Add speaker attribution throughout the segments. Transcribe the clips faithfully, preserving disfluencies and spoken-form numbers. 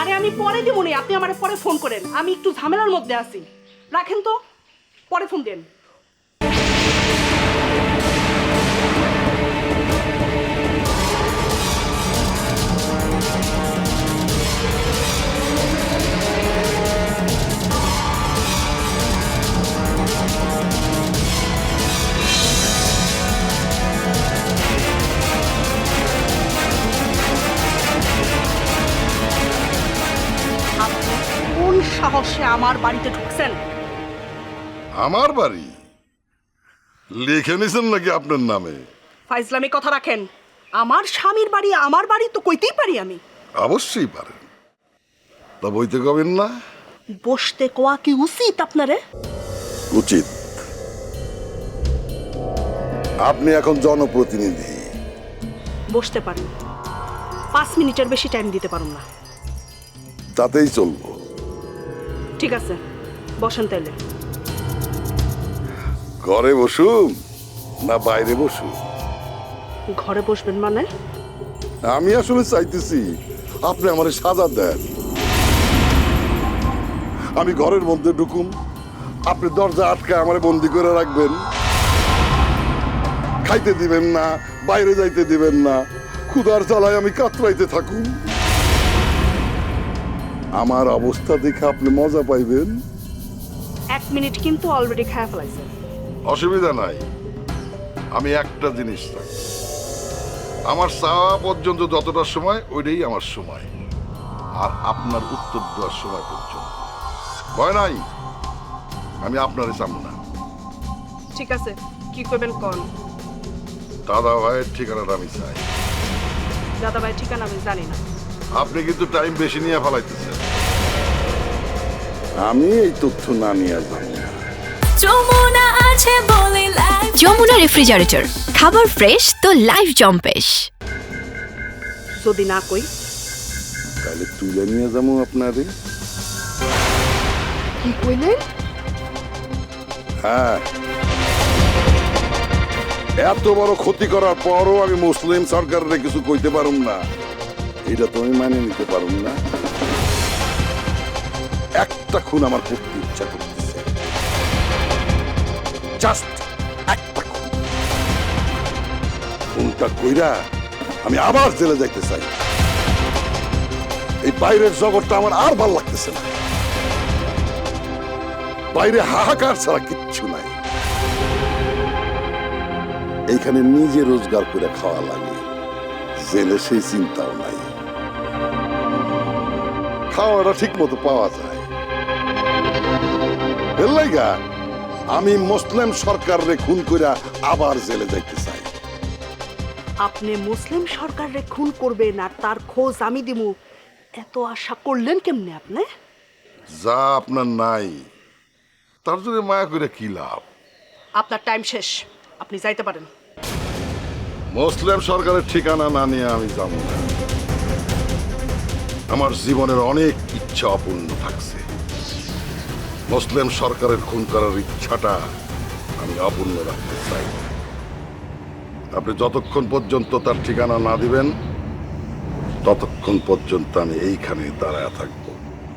Speaker 1: আরে আমি পরে দিব নি, আপনি আমারে পরে ফোন করেন, আমি একটু ঝামেলার মধ্যে আছি। রাখেন তো, পরে ফোন দেন। আপনি কোন সাহসে আমার বাড়িতে ঢুকছেন?
Speaker 2: আমার বাড়ি লিখে নিছেন নাকি আপনার নামে?
Speaker 1: ফাইজলামি কথা রাখেন। আমার স্বামীর বাড়ি আমার বাড়ি তো কইতেই পারি আমি।
Speaker 2: অবশ্যই পারেন, তা বইতে কবেন না?
Speaker 1: বসতে কোয়া কি উচিত আপনারে?
Speaker 2: উচিত। আপনি এখন জনপ্রতিনিধি।
Speaker 1: বসতে পারেন, পাঁচ মিনিটের বেশি টাইম দিতে পারুন না।
Speaker 2: তাতেই চলবো।
Speaker 1: ঠিক আছে, বসেন তাইলে।
Speaker 2: ঘরে বসুন না বাইরে বসুন?
Speaker 1: ঘরে বসবেন মানে?
Speaker 2: আমি আসলে চাইতেছি আপনি আমার সাজা দেন। আমি ঘরের মধ্যে ঢুকুম, আপনি দরজা আটকে আমারে বন্দি করে রাখবেন, খাইতে দিবেন না, বাইরে যাইতে দিবেন না, ক্ষুধার জ্বালায় আমি কাতরাইতে থাকুন। আমার অবস্থা দেখে আপনি মজা পাইবেন।
Speaker 1: এক মিনিট কিন্তু অলরেডি খায়া ফেলাইছেন।
Speaker 2: অসুবিধা নাই, আমি একটা জিনিস চাই, আমার চাওয়া পর্যন্ত যতটা সময় ওইটাই আমার সময়, আর আপনার উত্তর দেওয়ার সময় পর্যন্ত। ভয় নাই, আমি আপনারই চাম না।
Speaker 1: ঠিক আছে, কি করবেন কোন?
Speaker 2: দাদা ভাইয়ের ঠিকানাটা আমি চাই।
Speaker 1: দাদা ভাই ঠিকানা আমি জানি না।
Speaker 2: আপনি কিন্তু টাইম বেশি নিয়ে ফেলাইতেছেন। আমি এই তথ্য না নিয়ে যাই না।
Speaker 3: যমুনা আছে বলে লাইফ। যমুনা রেফ্রিজারেটর, খাবার ফ্রেশ তো লাইফ জম্পেশ।
Speaker 1: যদি না কই?
Speaker 2: তাহলে তুলে নিয়ে যাবো আপনারে।
Speaker 1: কি কইলেন?
Speaker 2: হ্যাঁ, এত বড় ক্ষতি করার পরও আমি মুসলিম সরকারের কিছু কইতে পারুম না, এটা তো আমি মানে নিতে পারুম না। একটা খুন আমার করতে ইচ্ছা করতেছে, জাস্ট একটা খুন। খুনটা কইরা আমি আবার জেলে যাইতে চাই। এই বাইরের জগৎটা আমার আর ভাল লাগতেছে না। বাইরে হাহাকার ছাড়া কিচ্ছু নাই। এইখানে নিজে রোজগার করে খাওয়া লাগে, জেলে সেই চিন্তাও নাই। খাওয়াটা ঠিক মতো পাওয়া যায়। এর লাইগা আমি মুসলিম সরকারে খুন কইরা আবার জেলে যাইতে চাই।
Speaker 1: আপনি মুসলিম সরকারে খুন করবেন আর তার খোঁজ আমি দিমু, এত আশা করলেন কেমনে আপনি?
Speaker 2: যা আপনার নাই তার জন্য মায়া করে কি লাভ?
Speaker 1: আপনার টাইম শেষ, আপনি যাইতে পারেন।
Speaker 2: মুসলিম সরকারের ঠিকানা না নিয়ে আমি যাব না। আমার জীবনের অনেক ইচ্ছা অপূর্ণ থাকছে। মুসলিম সরকারের খুন করার ইচ্ছাটা আমি অপূর্ণ রাখতে চাই। আপনি যতক্ষণ পর্যন্ত তার ঠিকানা না দিবেন ততক্ষণ পর্যন্ত আমি এইখানে দাঁড়ায় থাকবো।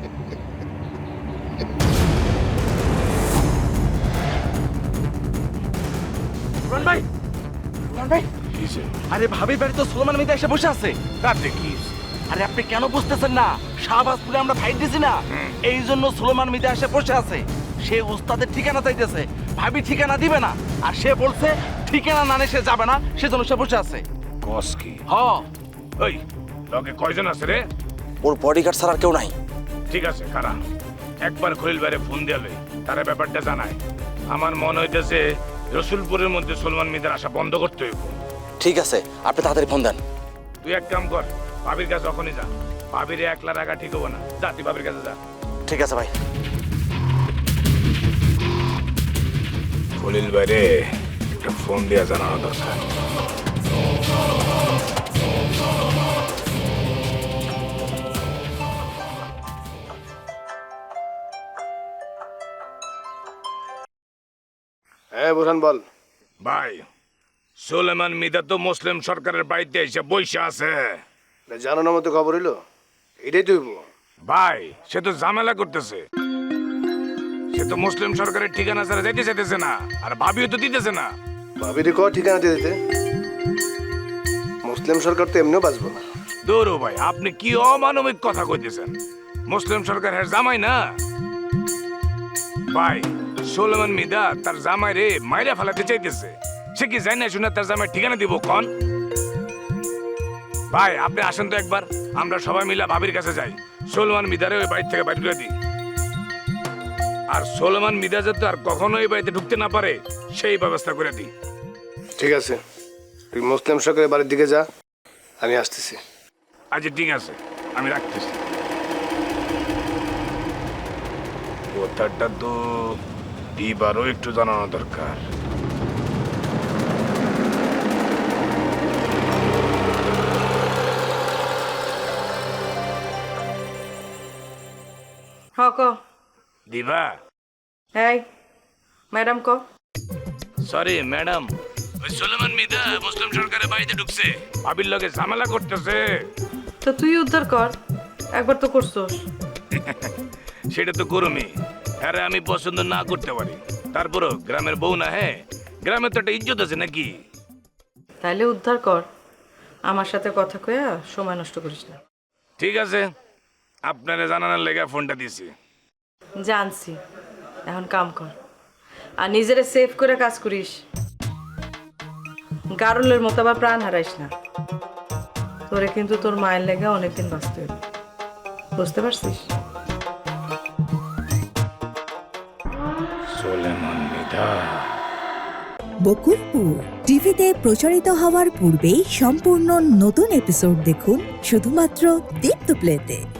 Speaker 4: ভাই ভাই, আরে ভাবির বাড়ি তো সুলেমান মিদা এসে বসে আছে। তাতে কি? আরে আপনি কেন বুঝতেছেন না? শাহবাজপুরে আমরা ফাইট দিছি না, এই জন্য সুলেমান মিদা এসে বসে আছে। সে উস্তাদের ঠিকানা চাইতেছে, ভাবি ঠিকানা দিবে না, আর সে বলছে ঠিকানা না নিয়ে সে যাবে না, সেজন্য সে বসে আছে।
Speaker 5: কস কি?
Speaker 4: হ,
Speaker 5: ওই লগে কয়জন আছে রে?
Speaker 4: ওর বডিগার্ড ছাড়া আর কেউ নাই।
Speaker 5: ঠিক আছে, কারা? একবার খলিল বাইরে ফোন দিলে তারা ব্যাপারটা জানায়। আমার মনে হইতেছে রসুলপুরের মধ্যে সলমান মিদার আসা বন্ধ করতে হইব।
Speaker 4: ঠিক আছে, আপনি তাড়াতাড়ি ফোন দেন।
Speaker 5: তুই এক কাম কর, ভাবির কাছে যখনই যা, ভাবিরে একলা রাখা ঠিক হবো না। যা তুই ভাবির কাছে যা।
Speaker 4: ঠিক আছে ভাই।
Speaker 5: খলিল বাইরে একটা ফোন দিয়া জানানো দরকার।
Speaker 6: হ্যাঁ বোরহান বল।
Speaker 5: ভাই, সুলেমান মিদা তো মুসলিম সরকারের বাড়িতে এসে বইসা আছে।
Speaker 6: জানানোর মতো খবর হইলো, এটাই তুইব।
Speaker 5: ভাই সে তো ঝামেলা করতেছে, সে তো মুসলিম সরকারের ঠিকানা ছাড়া যাইতে চাইতেছে না, আর ভাবিও তো দিতেছে না।
Speaker 6: ভাবিরে ক ঠিকানা দিয়ে দিতে, মুসলিম সরকার তো এমনিও বাঁচবো না।
Speaker 5: দৌড়ো ভাই, আপনি কি অমানবিক কথা কইতেছেন? মুসলিম সরকার হ্যাঁ জামাই না ভাই। সোলেমান মিদা তার জামাই রে মাইরা ফেলাতে চাইতেছে, সে কি জানে শুনে তার জামাই ঠিকানা দিব কন? ভাই আপনি আসেন তো একবার, আমরা সবাই মিলে ভাবির কাছে যাই, সোলেমান মিদারে ওই বাড়ি থেকে বাইরে করে দিই। আর সোলেমান মিদা যাতে আর কখনো এই বাড়িতে ঢুকতে না পারে সেই ব্যবস্থা করে দিই।
Speaker 6: ঠিক আছে, তুই মুসলিম সরকারের বাড়ির দিকে যা, আমি আসতেছি।
Speaker 5: আচ্ছা ঠিক আছে, আমি রাখতেছি। কথাটা তো এবারও একটু জানানো দরকার।
Speaker 7: হ ক
Speaker 5: দিবা?
Speaker 7: এই ম্যাডাম ক
Speaker 5: সরি ম্যাডাম, ওই সোলেমান মিদা মুসলিম সরকারের বাড়িতে ঢুকছে, ভাবির লগে ঝামেলা করতেছে।
Speaker 7: তো তুই উদ্ধার কর, একবার তো করছস।
Speaker 5: সেটা তো করমি, আরে আমি পছন্দ না করতে পারি, তারপরও গ্রামের বউ না, হ্যাঁ গ্রামের তো একটা ইজ্জত আছে নাকি?
Speaker 7: তাইলে উদ্ধার কর, আমার সাথে কথা কয়া সময় নষ্ট করিস না।
Speaker 5: ঠিক আছে, আপনারে জানানোর লেগে ফোনটা দিছি।
Speaker 7: জানছি, এখন কাম কর আর নিজেরে সেভ করে কাজ করিস, গারুলের মতো আবার প্রাণ হারাইস না। তোরে কিন্তু তোর মায়ের লেগে অনেকদিন বাঁচতে হবে, বুঝতে পারছিস?
Speaker 5: সোলেমান মিদা।
Speaker 8: বকুলপুর টিভিতে প্রচারিত হওয়ার পূর্বেই সম্পূর্ণ নতুন এপিসোড দেখুন শুধুমাত্র দীপ্ত প্লেতে।